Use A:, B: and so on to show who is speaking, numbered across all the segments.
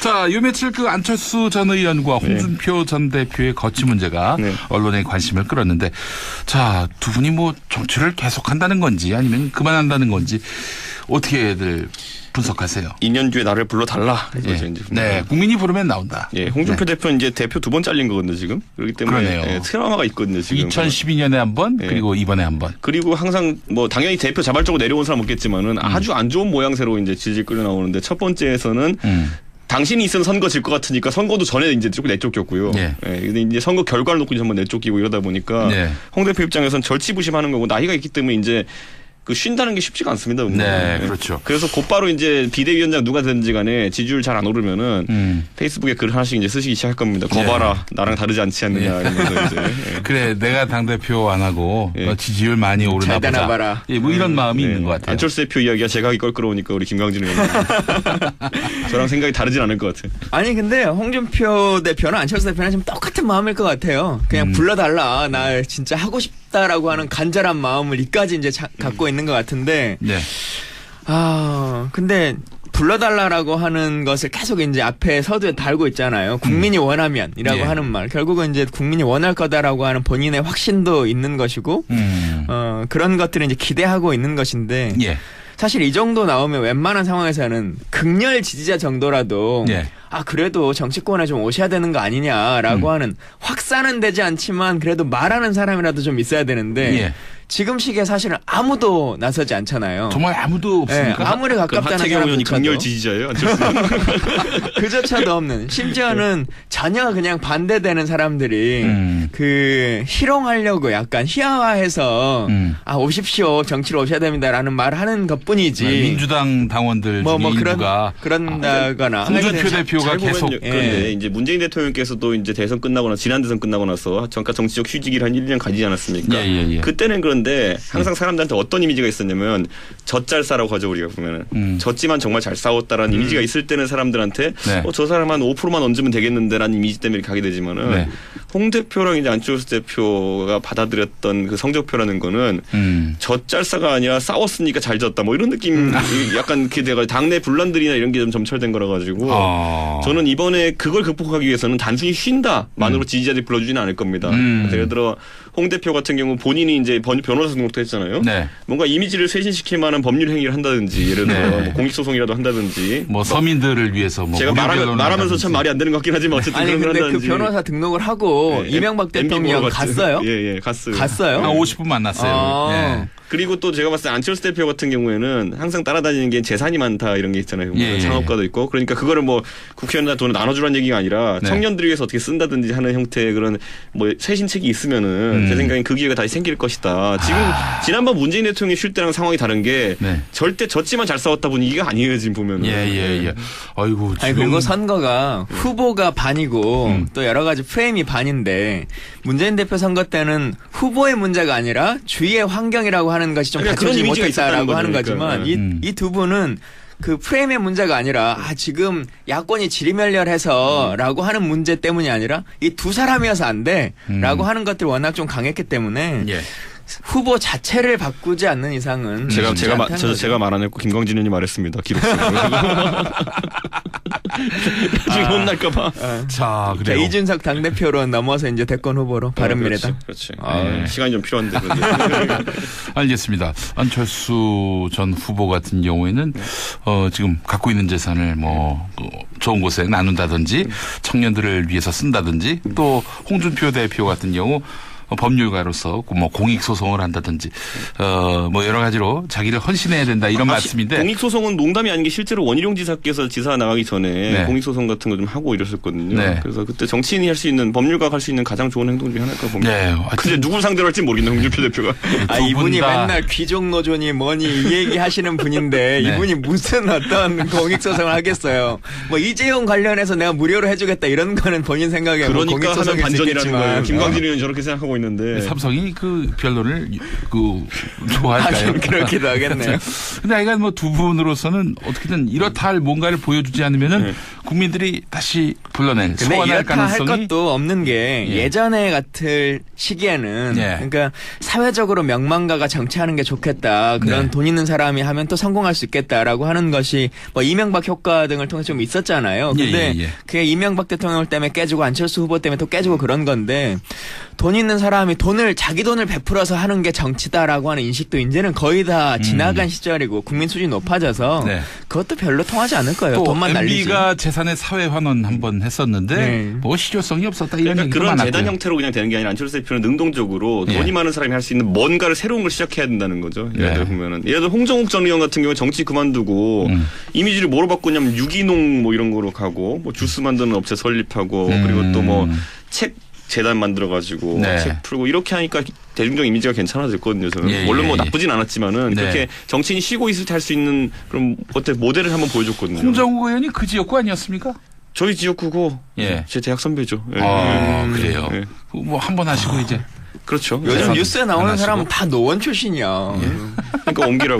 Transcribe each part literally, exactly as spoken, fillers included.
A: 자, 요 며칠 그 안철수 전 의원과 홍준표 네. 전 대표의 거취 문제가 네. 언론의 관심을 끌었는데, 자, 두 분이 뭐 정치를 계속한다는 건지 아니면 그만한다는 건지 어떻게들 분석하세요?
B: 이 년 뒤에 나를 불러달라.
A: 예. 이제 네, 국민이 부르면 나온다.
B: 예, 홍준표
A: 네.
B: 대표는 이제 대표 두 번 잘린 거거든요, 지금. 그렇기 때문에 예, 트라우마가 있거든요, 지금.
A: 이천십이 년에 한 번, 예. 그리고 이번에 한 번.
B: 그리고 항상 뭐 당연히 대표 자발적으로 내려온 사람 없겠지만은 음. 아주 안 좋은 모양새로 이제 질질 끌려 나오는데 첫 번째에서는 음. 당신이 있으면 선거 질 것 같으니까 선거도 전에 이제 조금 내쫓겼고요. 예. 예. 근데 이제 선거 결과를 놓고 이제 한번 내쫓기고 이러다 보니까 예. 홍 대표 입장에서는 절치부심하는 거고 나이가 있기 때문에 이제 그 쉰다는 게 쉽지가 않습니다.
A: 네, 그렇죠.
B: 그래서 곧바로 이제 비대위원장 누가 되든지 간에 지지율 잘 안 오르면은 음. 페이스북에 글 하나씩 이제 쓰시기 시작할 겁니다. 거봐라, 네. 나랑 다르지 않지 않느냐. 네. 이러면서 이제. 네.
A: 그래, 내가 당대표 안 하고 네. 지지율 많이 오르나 보자.
C: 봐라.
A: 예, 뭐 이런 마음이
B: 네.
A: 있는 것 같아요.
B: 안철수 대표 이야기가 제가 하기 껄끄러우니까 우리 김광진 의원님. 저랑 생각이 다르진 않을 것 같아요.
C: 아니 근데 홍준표 대표나 안철수 대표는 지금 똑같은 마음일 것 같아요. 그냥 음. 불러달라. 나 진짜 하고 싶다라고 하는 간절한 마음을 이까지 이제 자, 갖고 음. 있는 것 같은데. 네. 아 근데 불러달라라고 하는 것을 계속 이제 앞에 서두에 달고 있잖아요. 국민이 음. 원하면이라고 예. 하는 말. 결국은 이제 국민이 원할 거다라고 하는 본인의 확신도 있는 것이고, 음. 어, 그런 것들을 이제 기대하고 있는 것인데, 예. 사실 이 정도 나오면 웬만한 상황에서는 극렬 지지자 정도라도, 예. 아, 그래도 정치권에 좀 오셔야 되는 거 아니냐라고 음. 하는 확산은 되지 않지만 그래도 말하는 사람이라도 좀 있어야 되는데, 예. 지금 시기에 사실은 아무도 나서지 않잖아요.
A: 정말 아무도 없습니까?
C: 네, 아무리 가깝다는 사람이
B: 강렬 지지자예요.
C: 그조차도 없는. 심지어는 전혀 그냥 반대되는 사람들이 음. 그 희롱하려고 약간 희화화해서 음. 아 오십시오 정치로 오셔야 됩니다라는 말을 하는 것뿐이지.
A: 네, 민주당 당원들
C: 뭐,
A: 중에
C: 뭐
A: 일부가
C: 그런 그런다거나.
A: 아, 홍준표 대표가 계속.
B: 그런데
A: 예.
B: 이제 문재인 대통령께서도 이제 대선 끝나거나 지난 대선 끝나고 나서 잠깐 정치적 휴직을 한 일 년 가지지 않았습니까? 예, 예, 예. 그때는 그런 근데 항상 사람들한테 어떤 이미지가 있었냐면 젖잘싸라고 하죠 우리가 보면은 음. 졌지만 정말 잘 싸웠다라는 음. 이미지가 있을 때는 사람들한테 네. 어, 저 사람 한 오 퍼센트만 얹으면 되겠는데라는 이미지 때문에 가게 되지만은 네. 홍 대표랑 이제 안철수 대표가 받아들였던 그 성적표라는 거는 음. 젖잘싸가 아니라 싸웠으니까 잘 졌다 뭐 이런 느낌 음. 약간 그 내가 당내 분란들이나 이런 게 좀 점철된 거라 가지고 어. 저는 이번에 그걸 극복하기 위해서는 단순히 쉰다만으로 음. 지지자들이 불러주지는 않을 겁니다. 음. 예를 들어 홍 대표 같은 경우 본인이 이제 변호사 등록도 했잖아요. 네. 뭔가 이미지를 쇄신시킬 만한 법률 행위를 한다든지 예를 들어 네. 뭐 공익소송이라도 한다든지
A: 뭐 서민들을 위해서 뭐
B: 제가 말하면, 말하면서 참 말이 안 되는 것 같긴 하지만 어쨌든
C: 아니
B: 그런
C: 근데
B: 한다든지.
C: 그 변호사 등록을 하고 네. 이명박 대통령 갔어요?
B: 예예 예, 갔어요.
C: 갔어요?
A: 한 오십 분 만났어요. 아. 네.
B: 그리고 또 제가 봤을 때 안철수 대표 같은 경우에는 항상 따라다니는 게 재산이 많다 이런 게 있잖아요. 예, 창업가도 있고 그러니까 그거를 뭐 국회의원이나 돈을 나눠주라는 얘기가 아니라 네. 청년들을 위해서 어떻게 쓴다든지 하는 형태의 그런 뭐 쇄신책이 있으면은 음. 제 생각엔 그 기회가 다시 생길 것이다. 지금 아. 지난번 문재인 대통령이 쉴 때랑 상황이 다른 게 네. 절대 졌지만 잘 싸웠다 분위기가 아니에요 지금 보면은.
A: 예예예. 예, 예. 아이고.
C: 아니 그리고 선거가 후보가 반이고 음. 또 여러 가지 프레임이 반인데 문재인 대표 선거 때는 후보의 문제가 아니라 주위의 환경이라고 하는 것이 좀 갖춰지지 못했다라고 하는 거지만 이 이 두 분은 그 프레임의 문제가 아니라 아 지금 야권이 지리멸렬해서라고 하는 문제 때문이 아니라 이 두 사람이어서 안 돼라고 음. 하는 것들이 워낙 좀 강했기 때문에 예. 후보 자체를 바꾸지 않는 이상은
B: 제가 제가 마, 저, 제가 말 안 했고 김광진 의원이 말했습니다. 기록적으로. 나중에 아, 혼날까봐.
C: 아. 자, 그래요. 이준석 당대표로 넘어서 이제 대권 후보로 바른미래당.
B: 아, 그렇지. 그렇지. 아, 네. 시간이 좀 필요한데.
A: 알겠습니다. 안철수 전 후보 같은 경우에는 어, 지금 갖고 있는 재산을 뭐 좋은 곳에 나눈다든지 청년들을 위해서 쓴다든지 또 홍준표 대표 같은 경우 법률가로서 뭐 공익 소송을 한다든지 어 뭐 여러 가지로 자기를 헌신해야 된다 이런 아, 말씀인데
B: 공익 소송은 농담이 아닌 게 실제로 원희룡 지사께서 지사 나가기 전에 네. 공익 소송 같은 거 좀 하고 이랬었거든요. 네. 그래서 그때 정치인이 할 수 있는 법률가가 할 수 있는 가장 좋은 행동 중에 하나일까 봅니다. 네. 근데 누굴 상대로 할지 모르겠네 홍준표 대표가.
C: 아 이분이 맨날 귀족 노조니 뭐니 이 얘기 하시는 분인데 네. 이분이 무슨 어떤 공익 소송을 하겠어요. 뭐 이재용 관련해서 내가 무료로 해주겠다 이런 거는 본인 생각에
B: 그러니까
C: 뭐 공익 소송일
B: 하면 반전이라는 거예요. 김광진
C: 어.
B: 의원 저렇게 생각하고 있는데
A: 삼성이 그 변론을 그 좋아할까요?
C: 그렇기도 하겠네요.
A: 근데 하여간 뭐 두 분으로서는 어떻게든 이렇다 할 뭔가를 보여주지 않으면은 네. 국민들이 다시 불러낼
C: 근데
A: 소환할
C: 이렇다
A: 가능성이
C: 할 것도 없는 게 예. 예전에 같을 시기에는 예. 그러니까 사회적으로 명망가가 정치하는 게 좋겠다. 그런 네. 돈 있는 사람이 하면 또 성공할 수 있겠다라고 하는 것이 뭐 이명박 효과 등을 통해서 좀 있었잖아요. 근데 예, 예, 예. 그게 이명박 대통령 때문에 깨지고 안철수 후보 때문에 또 깨지고 그런 건데 돈 있는 사람이 돈을 자기 돈을 베풀어서 하는 게 정치다라고 하는 인식도 이제는 거의 다 지나간 음. 시절이고 국민 수준이 높아져서 네. 그것도 별로 통하지 않을 거예요. 돈만 날리지.
A: 엠비가 재산의 사회 환원 한번 했었는데 네. 뭐 실효성이 없었다 이런
B: 그러니까
A: 얘기도
B: 그런
A: 많았고요.
B: 재단 형태로 그냥 되는 게 아니라 안철수 대표는 능동적으로 예. 돈이 많은 사람이 할 수 있는 뭔가를 새로운 걸 시작해야 된다는 거죠. 예를 들어 예. 보면은 예를 들어 홍정욱 전 의원 같은 경우에 정치 그만두고 음. 이미지를 뭐로 바꾸냐면 유기농 뭐 이런 거로 가고 뭐 주스 만드는 업체 설립하고 음. 그리고 또 뭐 책 재단 만들어가지고 네. 책 풀고 이렇게 하니까 대중적 이미지가 괜찮아졌거든요. 저는 예, 물론 뭐 예, 나쁘진 않았지만은 네. 그렇게 정치인이 쉬고 있을 때 할 수 있는 그런 어때 모델을 한번 보여줬거든요.
A: 홍정욱 의원이 그 지역구 아니었습니까?
B: 저희 지역구고 예. 제 대학 선배죠. 예.
A: 아 음. 그래요. 예. 뭐 한 번 하시고 아. 이제.
B: 그렇죠.
C: 요즘 뉴스에 나오는 사람은 다 노원 출신이야.
B: 예. 그러니까 옮기라고.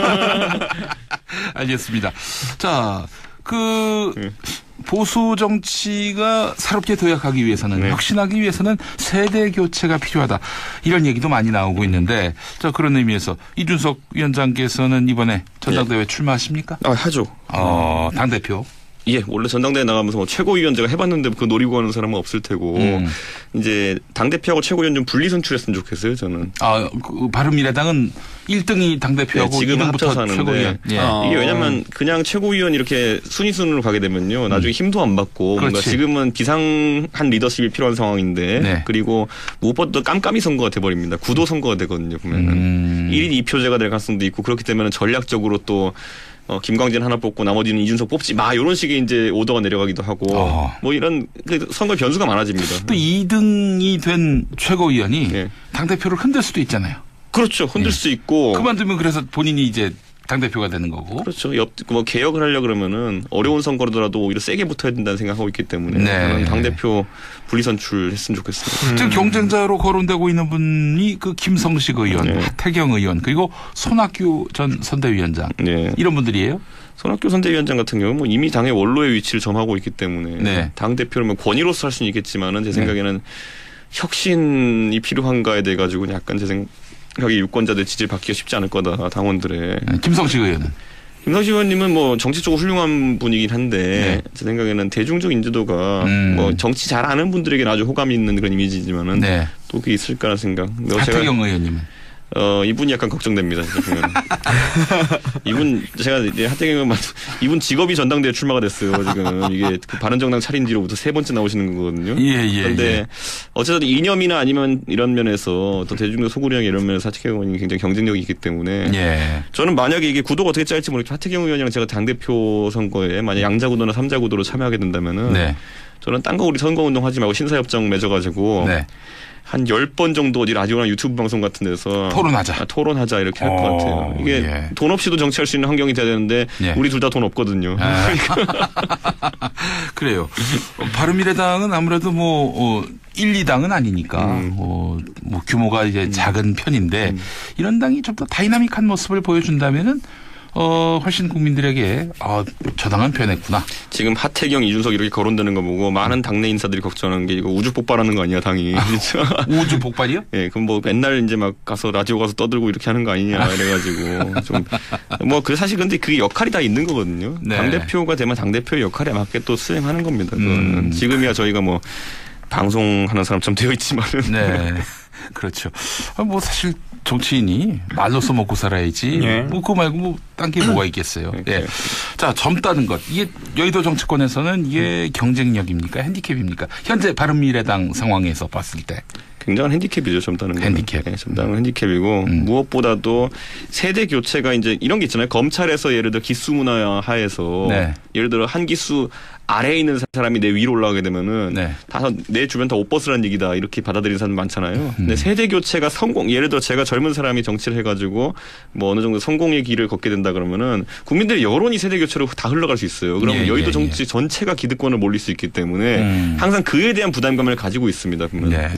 A: 알겠습니다. 자, 그 예. 보수 정치가 새롭게 도약하기 위해서는 네. 혁신하기 위해서는 세대 교체가 필요하다. 이런 얘기도 많이 나오고 있는데 자 그런 의미에서 이준석 위원장께서는 이번에 전당대회 예. 출마하십니까?
B: 아 하죠.
A: 어, 당대표.
B: 예, 원래 전당대회 나가면서 뭐 최고위원 제가 해봤는데 그 노리고 하는 사람은 없을 테고 음. 이제 당대표하고 최고위원 좀 분리 선출했으면 좋겠어요, 저는.
A: 아, 그 바른미래당은 일 등이 당대표하고 네, 지금 합쳐서 하는데
B: 예. 아. 이게 왜냐면 그냥 최고위원 이렇게 순위 순으로 가게 되면요 나중에 힘도 안 받고 그렇지. 뭔가 지금은 비상한 리더십이 필요한 상황인데 네. 그리고 무엇보다 깜깜이 선거가 돼버립니다. 구도 선거가 되거든요, 보면은 음. 일 인 이 표제가 될 가능성도 있고 그렇기 때문에 전략적으로 또 어, 김광진 하나 뽑고 나머지는 이준석 뽑지 마 이런 식의 이제 오더가 내려가기도 하고 어. 뭐 이런 선거 변수가 많아집니다.
A: 또 이 등이 된 최고위원이 네. 당대표를 흔들 수도 있잖아요.
B: 그렇죠. 흔들 네. 수 있고.
A: 그만두면 그래서 본인이 이제 당대표가 되는 거고.
B: 그렇죠. 옆, 뭐 개혁을 하려고 그러면은 어려운 선거라도 오히려 세게 붙어야 된다는 생각하고 있기 때문에 네. 당대표 분리선출했으면 좋겠습니다.
A: 음. 지금 경쟁자로 거론되고 있는 분이 그 김성식 의원, 네. 하태경 의원 그리고 손학규 전 선대위원장 네. 이런 분들이에요?
B: 손학규 선대위원장 같은 경우는 뭐 이미 당의 원로의 위치를 점하고 있기 때문에 네. 당대표를 권위로서 할 수는 있겠지만은 제 생각에는 네. 혁신이 필요한가에 대해 가지고 약간 제 생각 여기 유권자들 지지를 받기가 쉽지 않을 거다 당원들의.
A: 김성식 의원은?
B: 김성식 의원님은 뭐 정치적으로 훌륭한 분이긴 한데 네. 제 생각에는 대중적 인지도가 음. 뭐 정치 잘 아는 분들에게는 아주 호감이 있는 그런 이미지지만은 네. 또 그게 있을까라는 생각.
A: 하태경 의원님은?
B: 어 이분이 약간 걱정됩니다. 이분 제가 이제 하태경 의원 이분 직업이 전당대회 출마가 됐어요. 지금 이게 그 바른정당 차린 뒤로부터 세 번째 나오시는 거거든요.
A: 예예.
B: 그런데
A: 예.
B: 어쨌든 이념이나 아니면 이런 면에서 또 대중적 소구력 이런 면에서 하태경 의원이 굉장히 경쟁력이 있기 때문에 예. 저는 만약에 이게 구도가 어떻게 짤지 모르겠지만 하태경 의원이랑 제가 당대표 선거에 만약 양자 구도나 삼자 구도로 참여하게 된다면은 네. 저는 딴 거 우리 선거운동 하지 말고 신사협정 맺어가지고. 네. 한 열 번 정도 어디 라디오나 유튜브 방송 같은 데서
A: 토론하자.
B: 아, 토론하자 이렇게 할 것 같아요. 이게 예. 돈 없이도 정치할 수 있는 환경이 돼야 되는데 예. 우리 둘 다 돈 없거든요. 아.
A: 그래요. 바른미래당은 아무래도 뭐 어, 일, 이 당은 아니니까 음. 어, 뭐 규모가 이제 음. 작은 편인데 음. 이런 당이 좀 더 다이나믹한 모습을 보여준다면은 어, 훨씬 국민들에게, 아, 저 당은 변했구나.
B: 지금 하태경, 이준석 이렇게 거론되는 거 보고 많은 당내 인사들이 걱정하는 게 이거 우주 폭발하는 거 아니야, 당이. 아,
A: 우주 폭발이요?
B: 예, 네, 그럼 뭐 맨날 이제 막 가서 라디오 가서 떠들고 이렇게 하는 거 아니냐, 이래가지고. 좀, 뭐, 그 사실 근데 그 역할이 다 있는 거거든요. 네. 당대표가 되면 당대표의 역할에 맞게 또 수행하는 겁니다. 음. 지금이야 저희가 뭐, 방송하는 사람처럼 되어 있지만은.
A: 네. 그렇죠. 아, 뭐 사실 정치인이 말로써 먹고 살아야지. 네. 뭐 그거 말고 뭐 딴 게 뭐가 있겠어요. 예. 네. 자, 젊다는 것. 이게 여의도 정치권에서는 이게 경쟁력입니까? 핸디캡입니까? 현재 바른미래당 상황에서 봤을 때.
B: 굉장한 핸디캡이죠, 젊다는 건.
A: 핸디캡.
B: 네, 젊다는 핸디캡이고 음. 무엇보다도 세대 교체가 이제 이런 게 있잖아요. 검찰에서 예를 들어 기수 문화 하에서 네. 예를 들어 한 기수 아래에 있는 사람이 내 위로 올라가게 되면은 네. 다 내 주변 다 옷벗으라는 얘기다 이렇게 받아들이는 사람 많잖아요. 음. 근데 세대 교체가 성공 예를 들어 제가 젊은 사람이 정치를 해가지고 뭐 어느 정도 성공의 길을 걷게 된다 그러면은 국민들의 여론이 세대 교체로 다 흘러갈 수 있어요. 그러면 예, 여의도 예, 정치 예. 전체가 기득권을 몰릴 수 있기 때문에 음. 항상 그에 대한 부담감을 가지고 있습니다. 보면 네. 우리나라에서는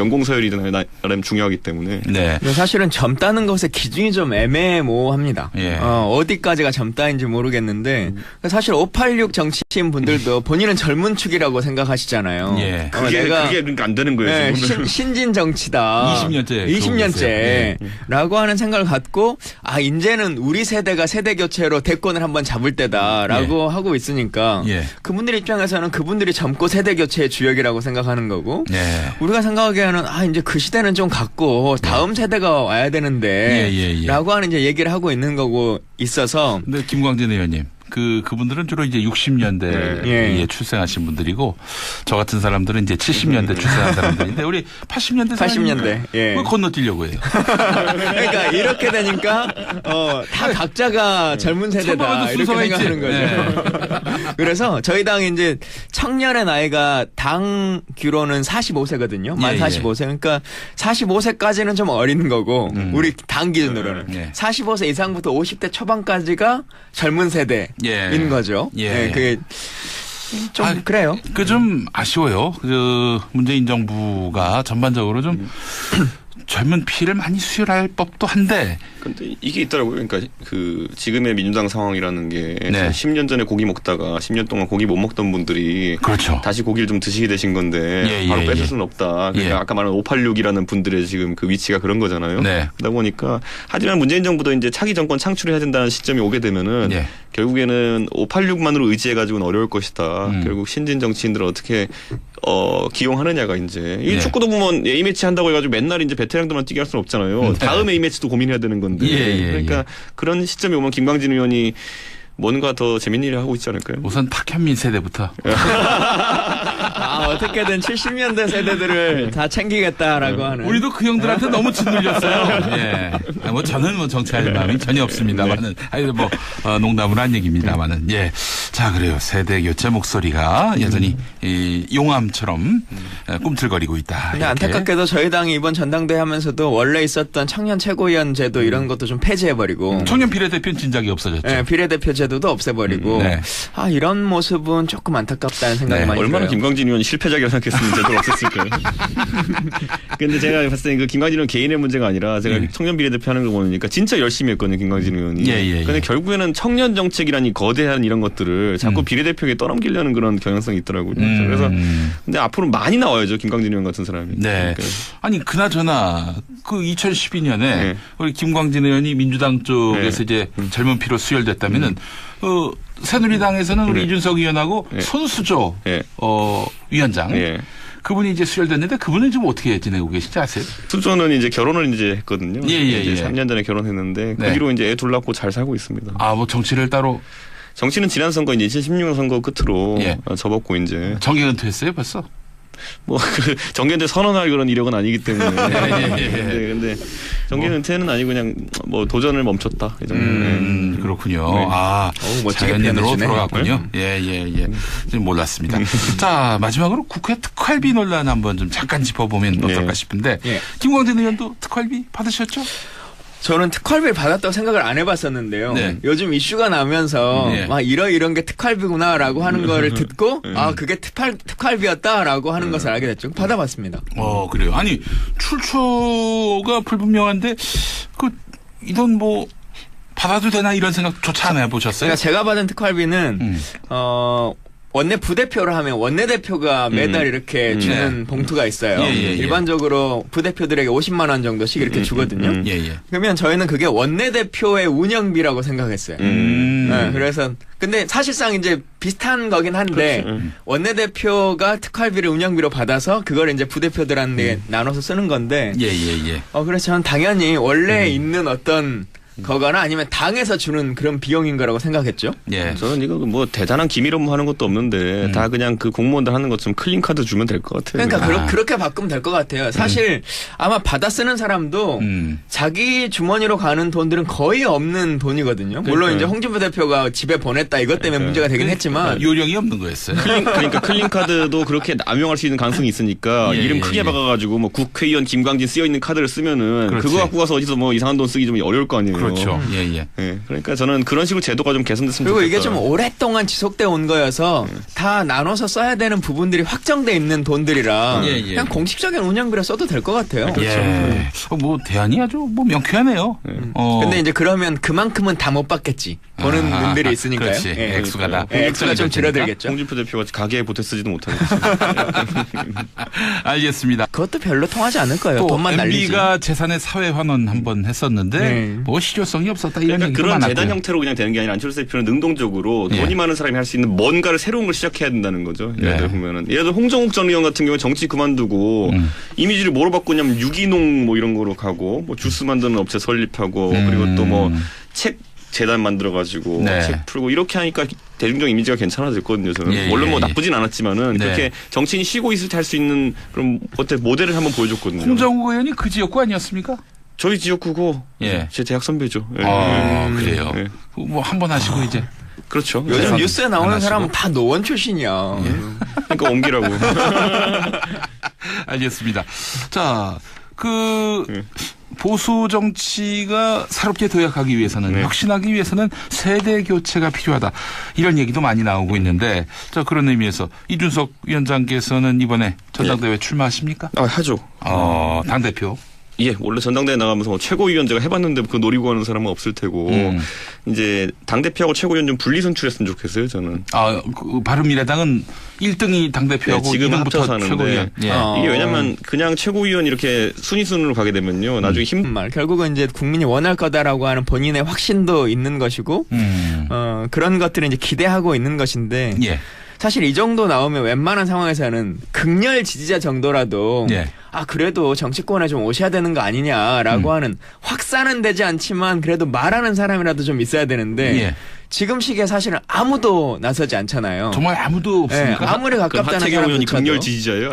B: 연공 서열이든 나름 중요하기 때문에.
C: 네. 사실은 젊다는 것의 기준이 좀 애매모호합니다. 예. 어, 어디까지가 젊다인지 모르겠는데 음. 사실 오팔육 정치인 분들도 본인은 젊은 축이라고 생각하시잖아요.
B: 예. 어, 그게, 내가 그게 그러니까 안 되는 거예요. 네,
C: 신, 신진 정치다.
A: 이십 년째.
C: 이십 년째라고 네. 하는 생각을 갖고 아 이제는 우리 세대가 세대 교체로 대권을 한번 잡을 때다라고 예. 하고 있으니까 예. 그분들 입장에서는 그분들이 젊고 세대 교체의 주역이라고 생각하는 거고 예. 우리가 생각하기에는 아 이제 그 시대는 좀 갔고 다음 예. 세대가 와야 되는데 예, 예, 예. 라고 하는 이제 얘기를 하고 있는 거고 있어서.
A: 근데 김광진 의원님. 그, 그분들은 주로 이제 육십 년대에 예. 출생하신 분들이고, 저 같은 사람들은 이제 칠십 년대 출생한 사람들인데, 우리 팔십 년대
C: 팔십 년대.
A: 예. 그걸 건너뛰려고 해요.
C: 그러니까 이렇게 되니까, 어, 다 각자가 젊은 세대다. 이렇게 생각하는 거죠. 네. 그래서 저희 당이 이제 청년의 나이가 당 규로는 사십오 세거든요. 만 예, 사십오 세. 그러니까 사십오 세까지는 좀 어린 거고, 음. 우리 당 기준으로는. 예. 사십오 세 이상부터 오십 대 초반까지가 젊은 세대. 예. 인 거죠. 예. 네, 그게 좀 아, 그래요.
A: 그 좀 아쉬워요. 그 문재인 정부가 전반적으로 좀 젊은 피를 많이 수혈할 법도 한데.
B: 근데 이게 있더라고요. 그러니까 그 지금의 민주당 상황이라는 게 네. 십 년 전에 고기 먹다가 십 년 동안 고기 못 먹던 분들이
A: 그렇죠.
B: 다시 고기를 좀 드시게 되신 건데 예, 바로 예, 뺏을 예. 수는 없다. 그러니까 예. 아까 말한 오팔육이라는 분들의 지금 그 위치가 그런 거잖아요. 네. 그러다 보니까 하지만 문재인 정부도 이제 차기 정권 창출해야 된다는 시점이 오게 되면은 예. 결국에는 오팔육만으로 의지해가지고는 어려울 것이다. 음. 결국 신진 정치인들을 어떻게 어, 기용하느냐가 이제 이 네. 축구도 보면 A 매치 한다고 해가지고 맨날 이제 베테랑들만 뛰게 할 수는 없잖아요. 네. 다음 A 매치도 고민해야 되는 건데. 예, 예, 그러니까 예. 그런 시점에 오면 김광진 의원이 뭔가 더 재밌는 일을 하고 있지 않을까요?
A: 우선 박현민 세대부터.
C: 아, 어떻게든 칠십 년대 세대들을 다 챙기겠다라고 하는.
A: 우리도 그 형들한테 너무 짓눌렸어요. 예. 뭐 저는 뭐 정치할 마음이 전혀 없습니다만은. 아니, 뭐, 어, 농담으로 한 얘기입니다만은. 예. 자, 그래요. 세대 교체 목소리가 여전히 이 용암처럼 꿈틀거리고 있다.
C: 근데 이렇게. 안타깝게도 저희 당이 이번 전당대회 하면서도 원래 있었던 청년 최고위원 제도 이런 것도 좀 폐지해버리고.
A: 청년 비례대표는 진작에 없어졌죠.
C: 네, 비례대표 제도도 없애버리고. 음, 네. 아, 이런 모습은 조금 안타깝다는 생각이 네. 많이 들어요.
B: 얼마나 김광진 의원이 실패작이라 생각했으면 제대로 없었을까요? 근데 제가 봤을 때 그 김광진 의원 개인의 문제가 아니라 제가 예. 청년 비례대표 하는 거 보니까 진짜 열심히 했거든요, 김광진 의원이. 예, 예, 근데 예. 결국에는 청년 정책이라는 이 거대한 이런 것들을 자꾸 음. 비례대표에게 떠넘기려는 그런 경향성이 있더라고요. 음. 그래서 근데 앞으로 많이 나와야죠, 김광진 의원 같은 사람이.
A: 네. 그러니까. 아니 그나저나 그 이천십이 년에 네. 우리 김광진 의원이 민주당 쪽에서 네. 이제 음. 젊은 피로 수혈됐다면은. 음. 어, 새누리당에서는 우리 네. 이준석 의원하고 네. 손수조 네. 어, 위원장 네. 그분이 이제 수혈됐는데 그분은 지금 어떻게 지내고 계시지 아세요?
B: 수조는 이제 결혼을 이제 했거든요.
A: 예, 예,
B: 이제
A: 예.
B: 삼 년 전에 결혼했는데 네. 그 뒤로 이제 애 둘 낳고 잘 살고 있습니다.
A: 아, 뭐 정치를 따로
B: 정치는 지난 선거 이제 이천십육 년 선거 끝으로 예. 접었고 이제
A: 정계 은퇴했어요 벌써?
B: 뭐 정계은퇴 선언할 그런 이력은 아니기 때문에. 예, 예, 예. 근데, 근데 정계은퇴는 뭐. 아니고 그냥 뭐 도전을 멈췄다. 이 정도.
A: 음, 네. 그렇군요. 네. 아, 오, 자연인으로 돌아갔군요. 예예예. 예, 예. 좀 몰랐습니다. 자 마지막으로 국회 특활비 논란 한번 좀 잠깐 짚어보면 어떨까 네. 싶은데 예. 김광진 의원도 특활비 받으셨죠?
C: 저는 특활비를 받았다고 생각을 안 해봤었는데요. 네. 요즘 이슈가 나면서 네. 막 이런 이런 게 특활비구나라고 하는 거를 듣고 네. 아 그게 특활 특활비였다라고 하는 네. 것을 알게 됐죠. 받아봤습니다.
A: 어 그래요. 아니 출처가 불분명한데 그 이돈 뭐 받아도 되나 이런 생각조차 안 해보셨어요?
C: 그러니까 제가 받은 특활비는 음. 어. 원내 부대표를 하면 원내대표가 매달 음. 이렇게 주는 네. 봉투가 있어요. 예, 예, 예. 일반적으로 부대표들에게 오십만 원 정도씩 이렇게 음, 주거든요. 음, 예, 예. 그러면 저희는 그게 원내대표의 운영비라고 생각했어요. 음. 네, 그래서 근데 사실상 이제 비슷한 거긴 한데 그렇죠. 원내대표가 특활비를 운영비로 받아서 그걸 이제 부대표들한테 음. 나눠서 쓰는 건데.
A: 예, 예, 예.
C: 어, 그래서 저는 당연히 원래 음. 있는 어떤 거거나 아니면 당에서 주는 그런 비용인 거라고 생각했죠.
B: 예. 저는 이거 뭐 대단한 기밀 업무 하는 것도 없는데 음. 다 그냥 그 공무원들 하는 것처럼 클린 카드 주면 될 것 같아요.
C: 그러니까 아. 그렇게 바꾸면 될 것 같아요. 사실 음. 아마 받아 쓰는 사람도 음. 자기 주머니로 가는 돈들은 거의 없는 돈이거든요. 물론 그러니까. 이제 홍준표 대표가 집에 보냈다 이것 때문에 그러니까. 문제가 되긴 했지만
A: 요령이 없는 거였어요.
B: 클린, 그러니까 클린 카드도 그렇게 남용할 수 있는 가능성이 있으니까 예, 이름 크게 예. 박아가지고 뭐 국회의원 김광진 쓰여 있는 카드를 쓰면은 그렇지. 그거 갖고 가서 어디서 뭐 이상한 돈 쓰기 좀 어려울 거 아니에요.
A: 그렇죠. 예, 예.
B: 예. 그러니까 저는 그런 식으로 제도가 좀 개선됐으면
C: 그리고
B: 좋겠다.
C: 이게 좀 오랫동안 지속돼 온 거여서 음. 다 나눠서 써야 되는 부분들이 확정돼 있는 돈들이라 예, 예. 그냥 공식적인 운영비로 써도 될 것 같아요.
A: 그렇죠. 예. 뭐 대안이 아주 뭐 명쾌하네요.
C: 음. 어. 근데 이제 그러면 그만큼은 다 못 받겠지. 보는 아, 분들이 있으니까요.
A: 그렇지.
C: 예.
A: 액수가 다.
C: 예, 액수가 좀 줄어들겠죠.
B: 홍준표 대표가 가게에 보태 쓰지도 못하겠죠.
A: 알겠습니다.
C: 그것도 별로 통하지 않을 거예요. 돈만 날리지.
A: 엠비가 재산의 사회 환원 한번 했었는데 네. 뭐 실효성이 없었다 이런
B: 그러니까
A: 얘기가
B: 그런
A: 많았고요.
B: 재단 형태로 그냥 되는 게 아니라 안철수 대표는 능동적으로 돈이 예. 많은 사람이 할 수 있는 뭔가를 새로운 걸 시작해야 된다는 거죠. 예를 들어 네. 보면은 예를 들어 홍정욱 전 의원 같은 경우에 정치 그만두고 음. 이미지를 뭐로 바꾸냐면 유기농 뭐 이런 거로 가고 뭐 주스 만드는 업체 설립하고 음. 그리고 또 뭐 책 재단 만들어가지고 네. 책 풀고 이렇게 하니까 대중적 이미지가 괜찮아졌거든요. 저는 예, 물론 뭐 예, 나쁘진 않았지만은 네. 그렇게 정치인이 쉬고 있을 때 할 수 있는 그런 어때 모델을 한번 보여줬거든요.
A: 홍정욱 의원이 그 지역구 아니었습니까?
B: 저희 지역구고 예. 제 대학 선배죠. 예.
A: 아 음, 그래요. 예. 뭐 한 번 하시고 아. 이제.
B: 그렇죠.
C: 요즘 네. 뉴스에 나오는 사람은 다 노원 출신이야.
B: 예. 그러니까 옮기라고.
A: 알겠습니다. 자, 그 예. 보수 정치가 새롭게 도약하기 위해서는 네. 혁신하기 위해서는 세대 교체가 필요하다. 이런 얘기도 많이 나오고 있는데 자 그런 의미에서 이준석 위원장께서는 이번에 전당대회 예. 출마하십니까?
B: 아 하죠.
A: 어, 당대표.
B: 예, 원래 전당대회 나가면서 뭐 최고위원제가 해봤는데 그거 노리고 하는 사람은 없을 테고 음. 이제 당대표하고 최고위원 좀 분리 선출했으면 좋겠어요, 저는.
A: 아, 그 바른미래당은 일 등이 당대표하고
B: 네, 지금 합쳐서 하는데 예. 어. 이게 왜냐면 그냥 최고위원 이렇게 순위 순으로 가게 되면요, 나중에 힘.
C: 말 결국은 이제 국민이 원할 거다라고 하는 본인의 확신도 있는 것이고, 음. 어 그런 것들을 이제 기대하고 있는 것인데. 예. 사실 이 정도 나오면 웬만한 상황에서는 극렬 지지자 정도라도 예. 아 그래도 정치권에 좀 오셔야 되는 거 아니냐라고 음. 하는 확산은 되지 않지만 그래도 말하는 사람이라도 좀 있어야 되는데 예. 지금 시기에 사실은 아무도 나서지 않잖아요.
A: 정말 아무도 없습니까?
C: 네, 아무리 가깝다는
B: 하태경 의원이 극렬 지지자예요?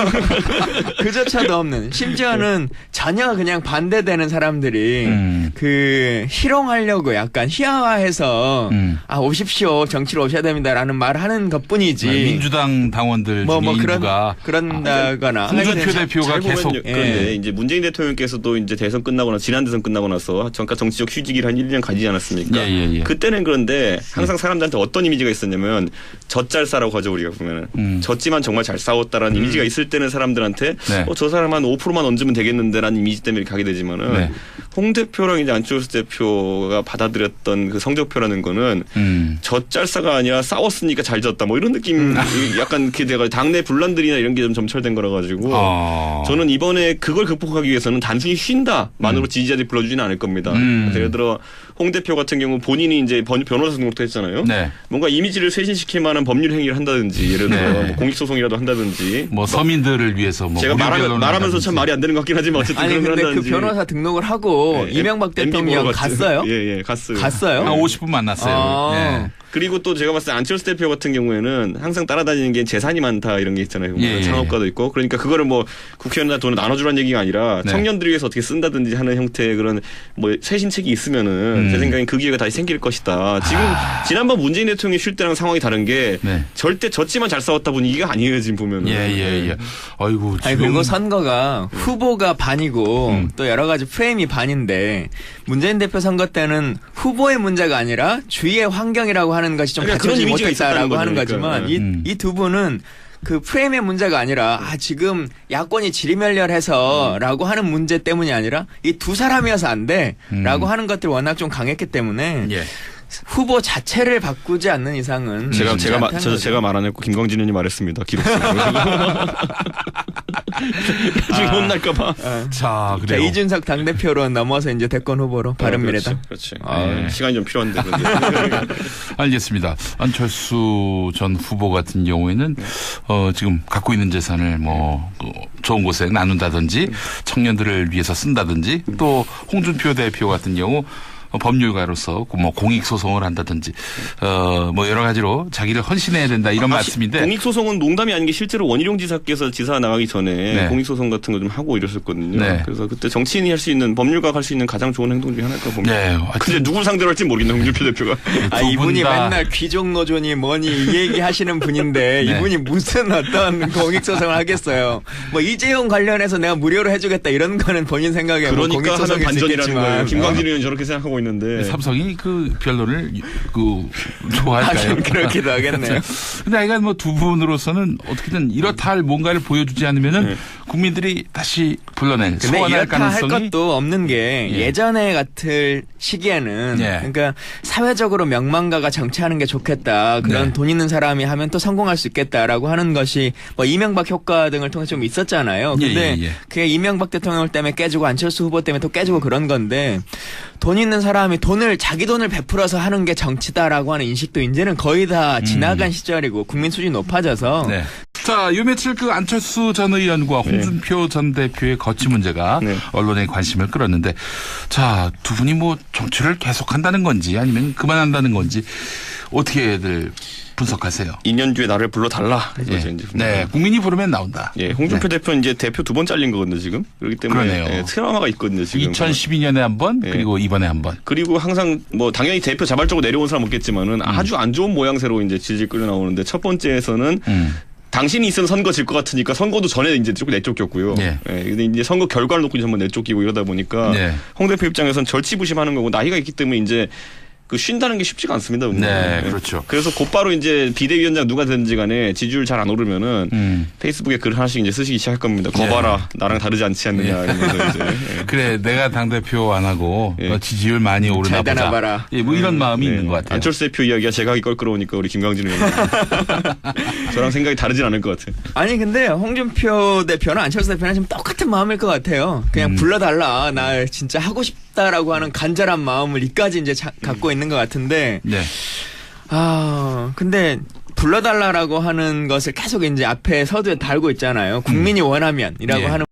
C: 그조차도 없는. 심지어는 전혀 그냥 반대되는 사람들이 음. 그 희롱하려고 약간 희화화해서 음. 아 오십시오 정치로 오셔야 됩니다라는 말을 하는 것뿐이지.
A: 네, 민주당 당원들
C: 뭐,
A: 중에
C: 뭐
A: 일부가
C: 그런, 그런다거나.
A: 홍준표 대표가 계속.
B: 그런데 예. 이제 문재인 대통령께서도 이제 대선 끝나거나 지난 대선 끝나고 나서 잠깐 정치적 휴직을 한 일 년 가지지 않았습니까? 예, 예, 예. 그때는 그런 그런데 항상 사람들한테 어떤 이미지가 있었냐면 젖잘싸라고 하죠 우리가 보면은 음. 졌지만 정말 잘 싸웠다라는 음. 이미지가 있을 때는 사람들한테 네. 어, 저 사람 한 오 퍼센트만 얹으면 되겠는데라는 이미지 때문에 가게 되지만은 네. 홍 대표랑 이제 안철수 대표가 받아들였던 그 성적표라는 거는 음. 젖잘싸가 아니라 싸웠으니까 잘 졌다 뭐 이런 느낌 음. 약간 그게 돼가 당내 분란들이나 이런 게 좀 점철된 거라 가지고 어. 저는 이번에 그걸 극복하기 위해서는 단순히 쉰다만으로 음. 지지자들이 불러주지는 않을 겁니다. 음. 예를 들어 홍 대표 같은 경우 본인이 이제 변호사 등록도 했잖아요. 네. 뭔가 이미지를 쇄신시킬 만한 법률 행위를 한다든지 예를 들어 네. 뭐 공익소송이라도 한다든지
A: 뭐 서민들을 위해서 뭐
B: 제가 말하면, 말하면서 참 말이 안 되는 것 같긴 하지만 어쨌든
C: 아니,
B: 그런 걸
C: 근데
B: 한다든지.
C: 그 변호사 등록을 하고 네. 이명박 대통령 갔어요?
B: 예, 예, 갔어요.
C: 갔어요?
A: 한 오십 분 만났어요. 아. 네.
B: 그리고 또 제가 봤을 때 안철수 대표 같은 경우에는 항상 따라다니는 게 재산이 많다 이런 게 있잖아요.
A: 예,
B: 창업가도
A: 예.
B: 있고 그러니까 그거를 뭐 국회의원한테 돈을 나눠주라는 얘기가 아니라 네. 청년들을 위해서 어떻게 쓴다든지 하는 형태의 그런 뭐 쇄신책이 있으면은 음. 제 생각엔 그 기회가 다시 생길 것이다. 지금 아. 지난번 문재인 대통령이 쉴 때랑 상황이 다른 게 네. 절대 졌지만 잘 싸웠다 분위기가 아니에요 지금 보면은.
A: 예예예. 예, 예. 아이고.
C: 아니 그리고 선거가 후보가 반이고 음. 또 여러 가지 프레임이 반인데 문재인 대표 선거 때는 후보의 문제가 아니라 주위의 환경이라고 하는 것이 좀 갖춰지지 못했다라고 하는 거지만 이 이 두 분은 그 프레임의 문제가 아니라 아 지금 야권이 지리멸렬해서라고 음. 하는 문제 때문이 아니라 이 두 사람이어서 안 돼라고 음. 하는 것들이 워낙 좀 강했기 때문에 예. 후보 자체를 바꾸지 않는 이상은
B: 제가 제가 마, 저, 제가 말 안 했고 김광진 의원이 말했습니다. 기록적으로. 나중에 혼날까봐.
C: 아, 자, 그래요. 자, 이준석 당대표로 넘어서 이제 대권 후보로 바른미래당.
B: 어, 그렇지. 그렇지. 아, 네. 시간이 좀 필요한데.
A: 알겠습니다. 안철수 전 후보 같은 경우에는 네. 어, 지금 갖고 있는 재산을 뭐 어, 좋은 곳에 나눈다든지 청년들을 위해서 쓴다든지 또 홍준표 대표 같은 경우 법률가로서 뭐 공익 소송을 한다든지 어 뭐 여러 가지로 자기를 헌신해야 된다 이런 아, 말씀인데
B: 공익 소송은 농담이 아닌 게 실제로 원희룡 지사께서 지사 나가기 전에 네. 공익 소송 같은 거 좀 하고 이랬었거든요. 네. 그래서 그때 정치인이 할 수 있는 법률가가 할 수 있는 가장 좋은 행동 중에 하나일까 봅니다. 네. 근데 누굴 상대로 할지 모르겠네 홍준표 대표가.
C: 아 이분이 맨날 귀족 노조니 뭐니 이 얘기 하시는 분인데 네. 이분이 무슨 어떤 공익 소송을 하겠어요. 뭐 이재용 관련해서 내가 무료로 해주겠다 이런 거는 본인 생각에
B: 그러니까
C: 뭐 공익 소송일 수 있겠지만
B: 김광진 의원 저렇게 생각하고 하고 있는데
A: 삼성이 그 변론을 그 좋아할까요?
C: 그렇기도 하겠네요.
A: 근데 하여간 뭐 두 분으로서는 어떻게든 이렇다 할 뭔가를 보여주지 않으면은 네. 국민들이 다시 불러낼 소환할 가능성이
C: 할 것도 없는 게 예. 예전에 같을 시기에는 예. 그러니까 사회적으로 명망가가 정치하는 게 좋겠다. 그런 네. 돈 있는 사람이 하면 또 성공할 수 있겠다라고 하는 것이 뭐 이명박 효과 등을 통해 좀 있었잖아요. 근데 예, 예, 예. 그게 이명박 대통령 때문에 깨지고 안철수 후보 때문에 또 깨지고 그런 건데 돈 있는 사람이 돈을 자기 돈을 베풀어서 하는 게 정치다라고 하는 인식도 이제는 거의 다 지나간 음. 시절이고 국민 수준이 높아져서
A: 네. 자, 요 며칠 그 안철수 전 의원과 홍준표 네. 전 대표의 거취 문제가 네. 언론의 관심을 끌었는데 자, 두 분이 뭐 정치를 계속한다는 건지 아니면 그만한다는 건지 어떻게들 분석하세요?
B: 이 년 뒤에 나를 불러달라.
A: 예. 이제 네, 국민이 부르면 나온다.
B: 예, 홍준표 네. 대표는 이제 대표 두 번 잘린 거거든요, 지금. 그렇기 때문에 예, 트라우마가 있거든요, 지금.
A: 이천십이 년에 한 번, 예. 그리고 이번에 한 번.
B: 그리고 항상 뭐 당연히 대표 자발적으로 내려온 사람 없겠지만은 음. 아주 안 좋은 모양새로 이제 질질 끌려 나오는데 첫 번째에서는 음. 당신이 있으면 선거 질 것 같으니까 선거도 전에 이제 조금 내쫓겼고요. 네. 예, 근데 이제 선거 결과를 놓고 이제 한번 내쫓기고 이러다 보니까 네. 홍 대표 입장에서는 절치부심하는 거고 나이가 있기 때문에 이제 그 쉰다는 게 쉽지가 않습니다.
A: 네, 그렇죠.
B: 그래서 곧바로 이제 비대위원장 누가 되든지 간에 지지율 잘 안 오르면은 음. 페이스북에 글 하나씩 이제 쓰시기 시작할 겁니다. 거봐라, 네. 나랑 다르지 않지 않느냐 이러면서 이제. 예.
A: 그래, 내가 당 대표 안 하고 예. 지지율 많이 오르나 보자.
C: 봐라.
A: 예, 뭐 이런 음. 마음이
B: 네.
A: 있는 것 같아요.
B: 안철수 대표 이야기가 제가 하기 껄끄러우니까 우리 김광진 의원 저랑 생각이 다르진 않을 것 같아요.
C: 아니 근데 홍준표 대표나 안철수 대표는 지금 똑같은 마음일 것 같아요. 그냥 음. 불러달라, 나 진짜 하고 싶다라고 하는 간절한 마음을 이까지 이제 자, 갖고 있는 것 같은데.
A: 네.
C: 아, 근데 불러달라라고 하는 것을 계속 이제 앞에 서두에 달고 있잖아요. 국민이 원하면이라고 예. 하는